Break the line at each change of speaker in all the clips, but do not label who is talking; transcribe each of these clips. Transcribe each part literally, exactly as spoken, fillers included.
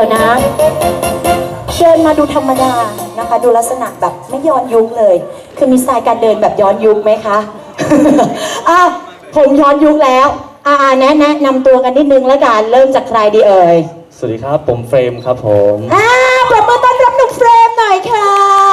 ดี๋ยวนะเดินมาดูธรรมดานะคะดูลักษณะแบบไม่ย้อนยุคเลยคือมีสไตล์การเดินแบบย้อนยุคไหมคะ อ่ะผมย้อนยุคแล้วอ่าแนะแนะนำตัวกันนิดนึงแล้วกันเริ่มจากใครดีเอ่ย
สวัสดีครับผมเฟรมครับผม
อ่าปรบมือต้อนรับหนุ่มเฟรมหน่อยค่ะ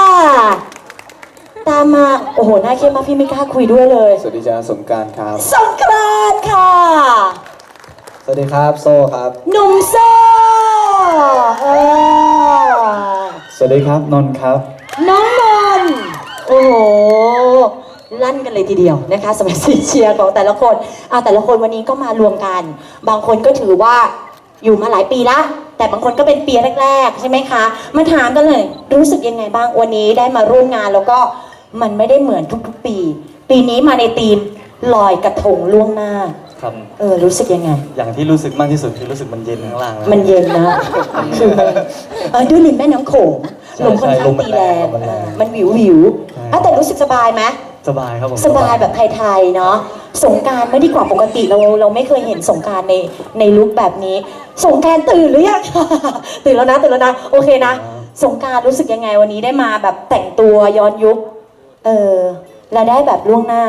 ตามมาโอ้โหหน้าเข้มมากพี่ไม่กล้าคุยด้วยเลย
สวัสดีจ้าสงกรานต์ครับ
สงกรานต์ค่ะ
สวัสดีครับโซ่ครับ
หนุ่มโซ่เออ
สวัสดีครับนนท์ครับ
น้องนนท์โอ้โหลั่นกันเลยทีเดียวนะคะสำหรับเสียงเชียร์ของแต่ละคนอ่าแต่ละคนวันนี้ก็มารวมกันบางคนก็ถือว่าอยู่มาหลายปีละแต่บางคนก็เป็นปีแรกๆใช่ไหมคะมาถามกันเลยรู้สึกยังไงบ้างวันนี้ได้มาร่วมงานแล้วก็มันไม่ได้เหมือนทุกๆปีปีนี้มาในธีมลอยกระทงล่วงหน้า
ครับ
เออรู้สึกยังไง
อย่างที่รู้สึกมากที่สุดคือรู้สึกมันเย็นข้างล่างนะ
มันเย็นนะคือมันเออด้วยริมแม่น้ำโขงลมค่อนข้างตีแรงมันวิววิวอ่ะแต่รู้สึกสบายไหม
สบายครับผม
สบายแบบไทยๆเนาะสงกรานต์ไม่ดีกว่าปกติเราเราไม่เคยเห็นสงกรานต์ในในลุคแบบนี้สงกรานต์ตื่นหรือยัง ตื่นแล้วนะตื่นแล้วนะโอเคนะสงกรานต์รู้สึกยังไงวันนี้ได้มาแบบแต่งตัวย้อนยุคเออแล้วได้แบบล่วงหน้า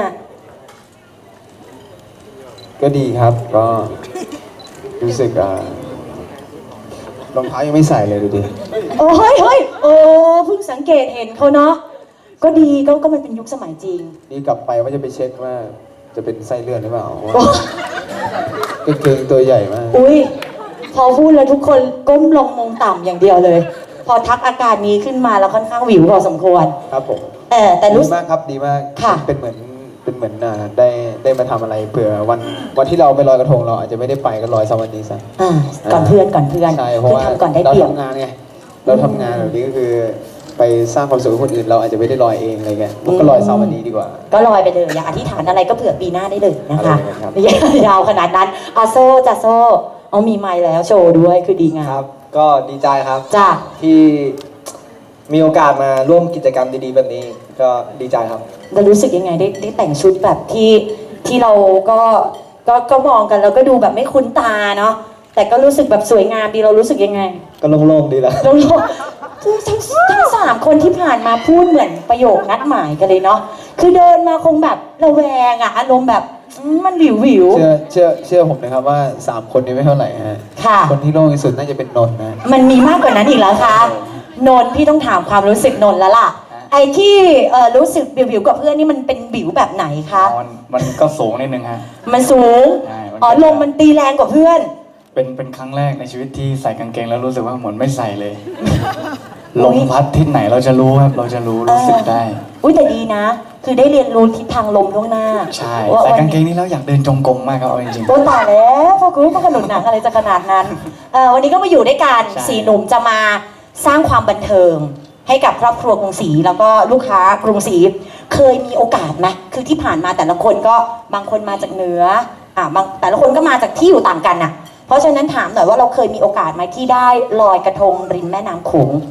ก็ดีครับก็รู้สึกอ่ารองเท้ายังไม่ใส่เลยดูดิ
โอ้เฮ้ยเฮ้ยโอ้เพิ่งสังเกตเห็นเขาเนาะก็ดีก็ก็มันเป็นยุคสมัยจริง
นี่กลับไปว่าจะไปเช็คว่าจะเป็นไส้เลื่อนหรือเปล่าว่าเกงตัวใหญ่มาก
อุ้ยพอพูดแล้วทุกคนก้มลงมองต่ำอย่างเดียวเลยพอทักอาการนี้ขึ้นมาแล้วค่อนข้างหวิวพอสมควร
ครับผม
เออแต่รู้
ดีมากครับดีมาก
ค่ะ
เป็นเหมือนเป็นเหมือนอ่าได้ได้มาทำอะไรเผื่อวันวันที่เราไปลอยกระทงเราอาจจะไม่ได้ไปก็ลอยสักวันนี้ซะ
อ่าก่อนเพื่อนก่อนเพื่อน
ใช่เพราะว่าเราทำงานไงเราทำงานแบบนี้ก็คือไปสร้างความสุขให้คนอื่นเราอาจจะไม่ได้ลอยเองอะไรเงี้ยก็ลอยสักวันนี้ดีกว่า
ก็ลอยไปเลยอย่าอธิษฐานอะไรก็เผื่อปีหน้าได้เลยนะคะไม่ยาวขนาดนั้นอาโซ่จะโซ่เอามีไมค์แล้วโชว์ด้วยคือดีงาม
ครับก็ดีใจครับ
จ้า
ที่มีโอกาสมาร่วมกิจกรรมดีๆแบบนี้ก็ดีใจครับ
แล้วรู้สึกยังไงได้ได้แต่งชุดแบบที่ที่เราก็ก็ก็มองกันแล้วก็ดูแบบไม่คุ้นตาเนาะแต่ก็รู้สึกแบบสวยงามดีเรารู้สึกยังไง
ก็โล่งๆดีแล้ว
โล่งๆทั้งทั้งสามคนที่ผ่านมาพูดเหมือนประโยคนัดหมายกันเลยเนาะคือเดินมาคงแบบระแวงอะอารมณ์แบบมันวิววิว
เชื่อเชื่อเชื่อผมนะครับว่าสามคนนี้ไม่เท่าไหร่ฮะ
ค่ะ
คนที่โล่งที่สุดน่าจะเป็นนนท์นะ
มันมีมากกว่านั้นอีกแล้วค่ะนนท์พี่ต้องถามความรู้สึกนนท์แล้วล่ะไอ้ที่รู้สึกวิวๆกับเพื่อนนี่มันเป็นวิวแบบไหนคะ
มันมันก็สูงนิดนึงฮะ
มันสูงอ๋อลมมันตีแรงกว่าเพื่อน
เป็นเป็นครั้งแรกในชีวิตที่ใส่กางเกงแล้วรู้สึกว่าเหมือนไม่ใส่เลยลมพัดทิศไหนเราจะรู้ครับเราจะรู้รู้สึกได้
อุ้ยแต่ดีนะคือได้เรียนรู้ทิศทางลมล่วงหน้า
ใช่ใส่กางเกงนี้แล้วอยากเดินจงกรมมากครับเอาจริง
ๆต้นตายแล้วพอคุณก็ขนุนหนังอะไรจะขนาดนั้นวันนี้ก็มาอยู่ด้วยกันสี่หนุ่มจะมาสร้างความบันเทิงให้กับครอบครัวกรุงศรีแล้วก็ลูกค้ากรุงศรีเคยมีโอกาสไหมคือที่ผ่านมาแต่ละคนก็บางคนมาจากเหนืออ่าบางแต่ละคนก็มาจากที่อยู่ต่างกันน่ะเพราะฉะนั้นถามหน่อยว่าเราเคยมีโอกาสไหมที่ได้ลอยกระทงริมแม่น้ำโขง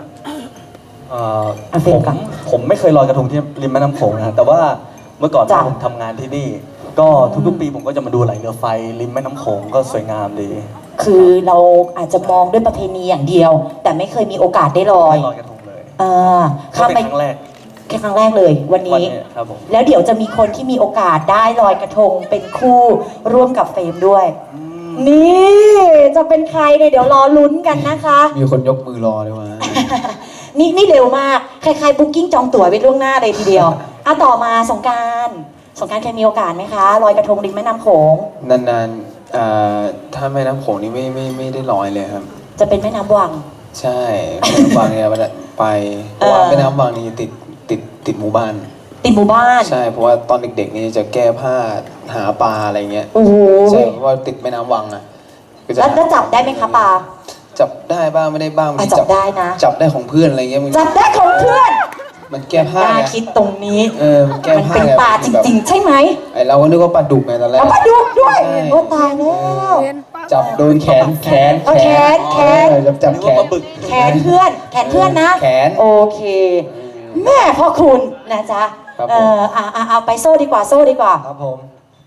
ผมผมไม่เคยลอยกระทงที่ริมแม่น้ำโขงนะแต่ว่าเมื่อก่อนผมทำงานที่นี่ก็ทุกๆปีผมก็จะมาดูไหลเรือไฟริมแม่น้ำโขงก็สวยงามดี
คือเราอาจจะมองด้วยประเพณีอย่างเดียวแต่ไม่เคยมีโอกาสได้ลอย
ลอยกระทงเลย
อ่า
ข้ามไปครั้งแรก
แค่ครั้งแรกเลยวันนี้
ครับผม
แล้วเดี๋ยวจะมีคนที่มีโอกาสได้ลอยกระทงเป็นคู่ร่วมกับเฟรมด้วยนี่จะเป็นใครเนี่ยเดี๋ยวรอลุ้นกันนะคะ
มีคนยกมือรอเลยว่ะ
นี่นี่เร็วมากใครๆบุ๊กิ้งจองตั๋วไว้ล่วงหน้าเลยทีเดียวอ่ะต่อมาสงกรานต์สงกรานต์เคยมีโอกาสไหมคะลอยกระทงริมแม่น้ำโขง
นานๆอ่าถ้าแม่น้ำโขงนี่ไม่ไม่ไม่ได้ลอยเลยครับ
จะเป็นแม่น้ำวัง
ใช่แม่น้ำวังเนี่ยไปเพราะว่าแม่น้ำวังนี่ติดติดติดหมู่บ้าน
ติดหมู่บ้าน
ใช่เพราะว่าตอนเด็กๆนี่จะแก้ผ้าหาปลาอะไรเงี้ย
โอ้โห
ใช่เพราะว่าติดแม่น้ำวังอ่ะ
แล้วจับได้ไหมคะปลา
จับได้บ้างไม่ได้บ้าง
จับได้นะ
จับได้ของเพื่อนอะไรเงี้ย
จับได้ของเพื่อน
มันแก้ผ้า
น่าคิดตรงนี้
เออมันแก้ผ้า
มันเป็นปลาจริงๆใช่ไหม
ไอเราก็นึกว่าปลาดุกไงตอนแรก
ปลาดุกด้วยโอ้ตายแล้ว
จับโดนแขนแขน
แขนแขน
จับจับแขน
แขนเพื่อนแขนเพื่อนนะ
แขน
โอเคแม่พ่อคุณนะจ๊ะเออเอาเอาไปโซ่ดีกว่าโซ่ดีกว่า
ครับผม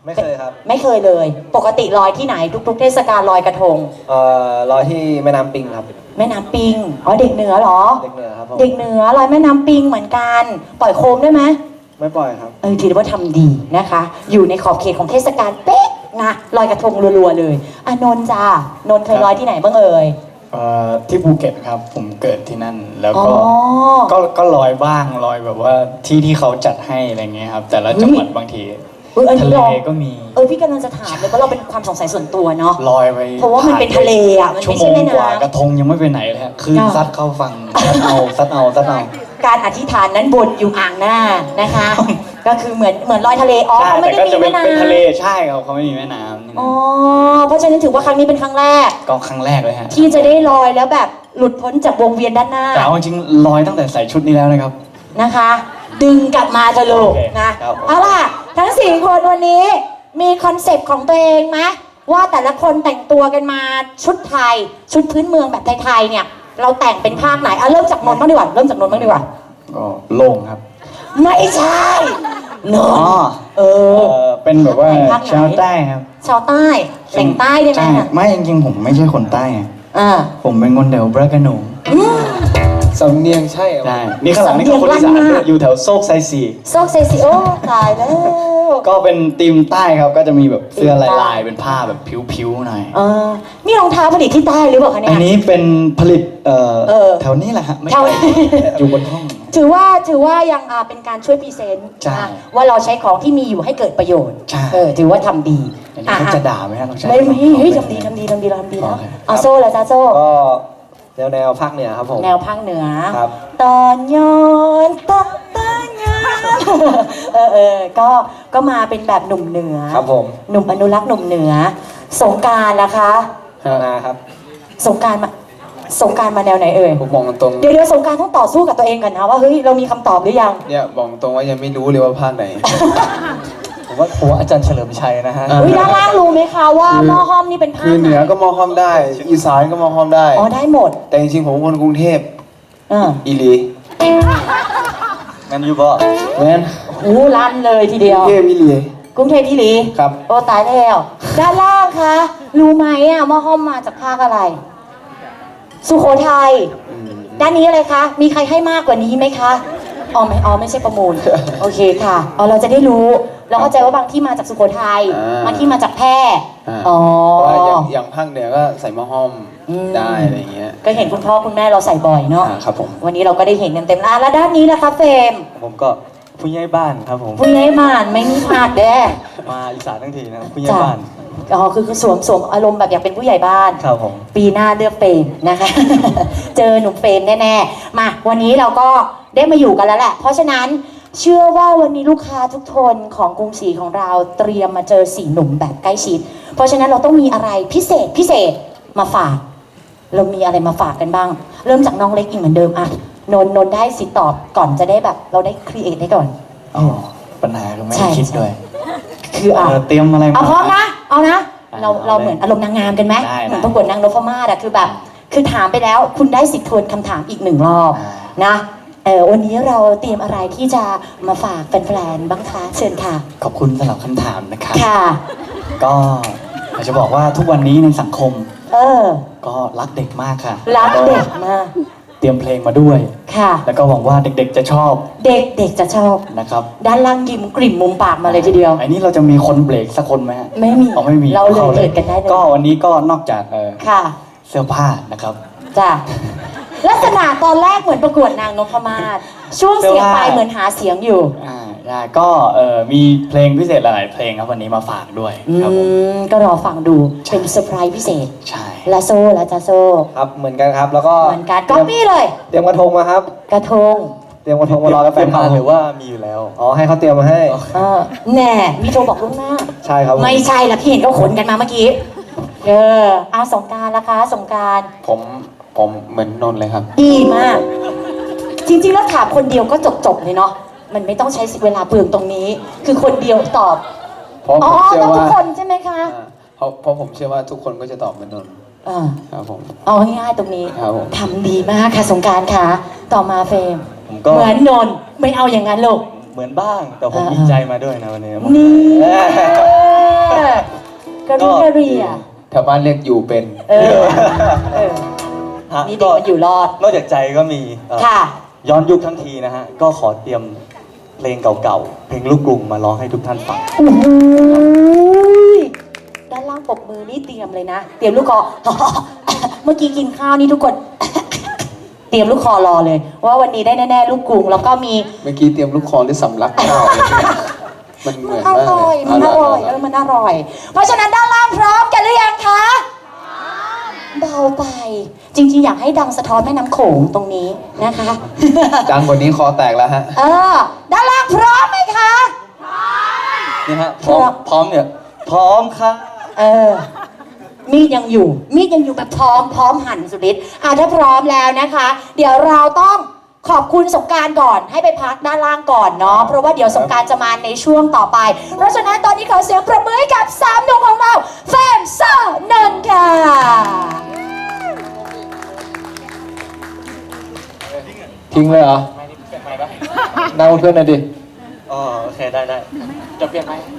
ไม่เคยครับ
ไม่เคยเลย ปกติลอยที่ไหนทุก ๆ เทศกาลลอยกระทง
เอ่อลอยที่แม่น้ำปิงครับ
แม่น้ำปิงอ๋อเด็กเหนือเหรอ
เด็กเหนือครับผม
เด็กเหนือลอยแม่น้ำปิงเหมือนกัน ปล่อยโคมได้ไหม
ไม่ปล่อยครับ
เออถือว่าทำดีนะคะ อยู่ในขอบเขตของเทศกาลเป๊ะนะลอยกระทงรัวๆเลยอานนท์จ้านนท์เคยลอยที่ไหนบ้างเอ่ย
เอ่อที่ภูเก็ตครับผมเกิดที่นั่นแล้ว
อ๋อ
ก็ก็ก็ลอยบ้างลอยแบบว่าที่ที่เขาจัดให้อะไรเงี้ยครับแต่ละจังหวัดบางที
เอออัน
ทะ
นี้
เล
ลอง
ก็มี
เออพี่กำลังจะถามเลยเพราะเราเป็นความสงสัยส่วนตัวเนาะ
ลอยไป
เพราะว่ามันเป็นทะเลอ่ะมัน
ชั่ว
ไม่
โม
ใช่
ง
แม่
กว่ากระ
น้ำ
ทงยังไม่ไปไหนเลยฮะคลื่น
ค่ะ
ซัดเข้าฝั่งซัดเอาซัดเอาซัดเอา
การอธิษฐานนั้นบนอยู่อ่างหน้านะคะ ก็คือเหมือนเหมือนลอยทะเลอ๋อ
ใช่
เขาไม่
แต่
ได้
ก็
มี
จะเป็
แม่
นเป็นทะเล
น้ำ
ใช่ครับเขาไม่มีแม่น้ำนี่
อ๋อเพราะฉะนั้นถือว่าครั้งนี้เป็นครั้งแรก
ก็ครั้งแรกเลยฮะ
ที่จะได้ลอยแล้วแบบหลุดพ้นจากวงเวียนด้านหน้า
แต่เอาจริงๆลอยตั้งแต่ใส่ชุดนี้แล้วนะครับ
นะคะ ดึงกลับมาเถอะลูก
โอเค
นะครับ เอาล่ะทั้งสี่คนวันนี้มีคอนเซปต์ของตัวเองไหมว่าแต่ละคนแต่งตัวกันมาชุดไทย ชุดพื้นเมืองแบบไทยๆเนี่ย เราแต่งเป็นภาคไหนอ่ะเริ่มจากนนท์บ้างดีกว่าเริ่มจากนนท์บ้างดีกว่า
ก็โล่งครับ
ไม่ใช่นน
อ๋อ
ท์เอ
เอ
อ
อเป็นแบบว่า
ภาคไหน
ชาวใต้ครับ
ชาวใต้แต่งใต้ได้ไหม
ใช่
อ่ะ
ไม่จริงๆผมไม่ใช่คนใต้ไง
อ่า
ผมเป็นคนแถวบรากานู
อืม
สำเนียงใช่เหรอ
ใช่นี่ข้างหลังนี่ก็คนอีสาน
สำเนียงลั่นมาก
อยู่แถวโซกไซซี
โซกเซซิโอตายแล้ว
ก็เป็นทีมใต้ครับก็จะมีแบบเสื้อ
ธีมใต้
ลายๆเป็นผ้าแบบผิวๆหน่อย
เออนี่รองเท้าผลิตที่ใต้หรือเปล่าคะเนี่
อั
ย
นนี้เป็นผลิตเอ่อ
เออ
แถวนี้แหละฮะไม่
แถว
ไกลอยู่บนห้อง
ถือว่าถือว่ายังอ่าเป็นการช่วยพรีเซนต์
ใช่
นะว่าเราใช้ของที่มีอยู่ให้เกิดประโยชน์
ใช่
เออถือว่าทำดี
อันนี้เขา
อ่ะ
จะด่าไหมฮะเราใช้
ไม่ไม่เฮ้ย
ของ
ทำดีทำดีทำดีเราทำดีแล้ว
โอเค
เอาโซ่ละจ้าโซ่
ก็แนวแนวภาคเหนือครับผม
แนวภาคเหนือ
ครับ
ตอนย้อนตอนตอนย้อนเออเออก็ก็มาเป็นแบบหนุ่มเหนือ
ครับผม
หนุ่มอนุรักษ์หนุ่มเหนือ สงกรารนะคะ
นะครับ
สงกรารมาสงกรารมาแนวไหนเอ่ย
ผมมองตรง
เดี๋ยวเดี๋ยวสงกรารต้องต่อสู้กับตัวเองก่อนนะว่าเฮ้ยเรามีคำตอบหรือยัง
เนี่ยบอกตรงว่ายังไม่รู้เลยว่าภาคไหน
ผมว่าผมว่าอาจารย์เฉลิมชัยนะฮะ
อ่า
อุ้ยด้านล่างรู้ไหมคะว่า
คือ
หม้อห้อมนี่เป็นภา
คือ
ค
เหนือก็มองห้อมได้ อีสานก็มองห้อมได้
อ๋อได้หมด
แต่จริงๆผมเป็นคนกรุงเทพ
อ่า
อีหลี
งั้นยูก็
เพราะฉะนั้น
หูลั่นเลยทีเดียว
กรุงเทพอีหลี
กรุงเทพที่ลี
ครับ
โอ้ตายแล้ว ด้านล่างคะรู้ไหมอ่ะหม้อห้อมมาจากภาคอะไร สุโขทัย
อืม
ด้านนี้อะไรคะ มีใครให้มากกว่านี้ไหมคะอ๋อไม่อ๋อไม่ใช่ประมูล โอเคค่ะอ๋อเราจะได้รู้ เราเข้าใจว่าบางที่มาจากสุโขทัย
อ่า
บางที่มาจากแพร่
อ่า
อ๋อ
เพราะว่าอย่างอย่างภาคเหนือก็ใส่หม้อห้อม
อืม
ได้อะไรอย่างเงี้ย
ก็เห็นคุณพ่อคุณแม่เราใส่บ่อยเนาะ
อ่าครับผม
วันนี้เราก็ได้เห็นเต็มๆอ่ะแล้วด้านนี้ล่ะคะเฟรม
ผมก็ผู้ใหญ่บ้านครับผม
ผู้ใหญ่บ้านไม่มีพลาดเด้
มาอีสานทั้งทีนะครับผู้ใหญ่
จ้ะ
บ้าน
อ๋อคือคือสวมสวมอารมณ์แบบอยากเป็นผู้ใหญ่บ้าน
ครับผม
ปีหน้าเลือกเฟรมนะคะ เจอหนุ่มเฟรมแน่ๆ มาวันนี้เราก็ได้มาอยู่กันแล้วแหละ เพราะฉะนั้นเชื่อว่าวันนี้ลูกค้าทุกคนของกรุงศรีของเราเตรียมมาเจอสี่หนุ่มแบบใกล้ชิด เพราะฉะนั้นเราต้องมีอะไรพิเศษพิเศษมาฝาก เรามีอะไรมาฝากกันบ้าง เริ่มจากน้องเล็กอีกเหมือนเดิมอะนนท์นนท์ได้สิทธิ์ตอบก่อนจะได้แบบเราได้ครีเอทได้ก่อน
อ๋อปัญหาคือไม่
ใช่
ได้คิดด้วย
คืออ่ะ
เออเตรียมอะไร
เอาพร้อมนะ เอานะ
อ่ะ
เรา
เอา
เรา
เลย
เหมือนอารมณ์นางงามกันไหม
ได้
เหมือน
ได้
ประกวดนางนพมาศอะคือแบบ คือถามไปแล้วคุณได้สิทธิ์ทวนคำถามอีกหนึ่งรอบ
อ่า
นะเออวันนี้เราเตรียมอะไรที่จะมาฝากแฟนๆบ้างคะเชิญค่ะ
ขอบคุณสำหรับคำถามนะครับ
ค่ะ
ก็อยากจะบอกว่าทุกวันนี้ในสังคม
เออ
ก็รักเด็กมากค่ะ
รักเด็กมาก
เตรียมเพลงมาด้วย
ค่ะ
แล้วก็หวังว่าเด็กๆจะชอบ
เด็กเด็กจะชอบ
นะครับ
ด้านล่างยิ้มกลิ่มมุมปากมาเลยทีเดียว
อันนี้เราจะมีคนเบรกสักคนไหมฮะ
ไม่มี
อ๋อไม่มี
เราเลย
ข้
เกิดกันได้เลย
ก็วันนี้ก็นอกจากเอ่อ
ค่ะ
เสื้อผ้านะครับ
จ้ะลักษณะตอนแรกเหมือนประกวดนางนพมาศช่วงเสียงไปเหมือนหาเสียงอยู่
อ่าได้ก็เอ่อมีเพลงพิเศษหลายๆเพลงครับวันนี้มาฝากด้วย
อื
ครับผม
มก็รอฟังดูเป็นเซอร์ไพรส์พิเศษ
ใช่
และโซ่และจ้าโซ่
ครับเหมือนกันครับ แล้วก็
เหมือนกันก๊อปปี้เลย
เตรียมกระทงมาครับ
กระทง
เตรียมกระทงมารอกับแฟ
เตรีย
น
ม
คลั
มา
บ
หรือว่ามีอยู่แล้ว
อ๋อให้เขาเตรียมมาให้
เออแน่มีโทรบอกล่วงหน้า
ใช่ครับผม
ไม่ใช่ละพี่เห็นเขาขนกันมาเมื่อกี้ เออเอาสงกรารละคะสงกราร
ผมผมเหมือนนนท์เลยครับ
ดีมาก จริงๆแล้วถามคนเดียวก็จบๆเลยเนาะมันไม่ต้องใช้เวลาเปลืองตรงนี้ คือคนเดียวตอบ
เพราะ
อ๋
ผ
อ
มเชื่อ
ต้องทุ
ว่าก
คนใช่ไหมคะ
อ่าเพราะเพราะผมเชื่อว่าทุกคนก็จะตอบเหมือนนนท์
เออ
ครับผม
เอาง่ายๆตรงนี้
ครับผม
ทำดีมากค่ะสงกรารค่ะ ต่อมาเฟรม
ผมก็
เหมือนนนท์ไม่เอาอย่างนั้นลูก
เหมือนบ้าง แต่ผม
อ่า
มีใจมาด้วยนะวันนี้
นี่กระรุกระเรีย
แถวบ้านเรียกอยู่เป็น
เออเออ
ฮะ
นี่เด็กมันอยู่รอด
นอกจากใจก็มีเอ่อ
ค่ะ
ย้อนยุคทั้งทีนะฮะ ก็ขอเตรียมเพลงเก่าๆ เพลงลูกกรุงมาร้องให้ทุกท่านฟัง
โอ้โหด้านล่างปรบมือนี่เตรียมเลยนะ เตรียมลูกคอ เมื่อกี้กินข้าวนี่ทุกคน เตรียมลูกคอรอเลย ว่าวันนี้ได้แน่ๆลูกกรุงแล้วก็มี
เมื่อกี้เตรียมลูกคอหรือสำลักข้าวอะไรเนี่ยมันเหมือน
อ
มาก
ร่อย
เลย
มันอร่อย
เา
เอ
ล่ะ
อมันอร่อย เพราะฉะนั้นด้านล่างพร้อมกันหรือยังคะเบาไป จริงๆ อยากให้ดังสะท้อนแม่น้ำโขงตรงนี้นะคะ
ดังกว่านี้คอแตกแล้วฮะ
เออ ด้านล่างพร้อมไหมคะ
นี่ฮะ พร้อม พร้อมเนี่ย พร้อมค่ะ
เออ มีดยังอยู่ มีดยังอยู่แบบพร้อมพร้อมหั่นสุดฤทธิ์อ่ะถ้าพร้อมแล้วนะคะ เดี๋ยวเราต้องขอบคุณสงกรารก่อนให้ไปพักด้านล่างก่อนเนาะ เพราะว่าเดี๋ยวสงกรารจะมาในช่วงต่อไป เพราะฉะนั้นตอนนี้ขอเสียงประมือให้กับสามหนุ่มของเราแฟนซ่านนท์ค่ะ
ทิ้งเลยเหรอนั่งบนเพื่อนหน่อยดิ
อ๋อ โอเค ได้ได้
จะเปลี่ยนไหม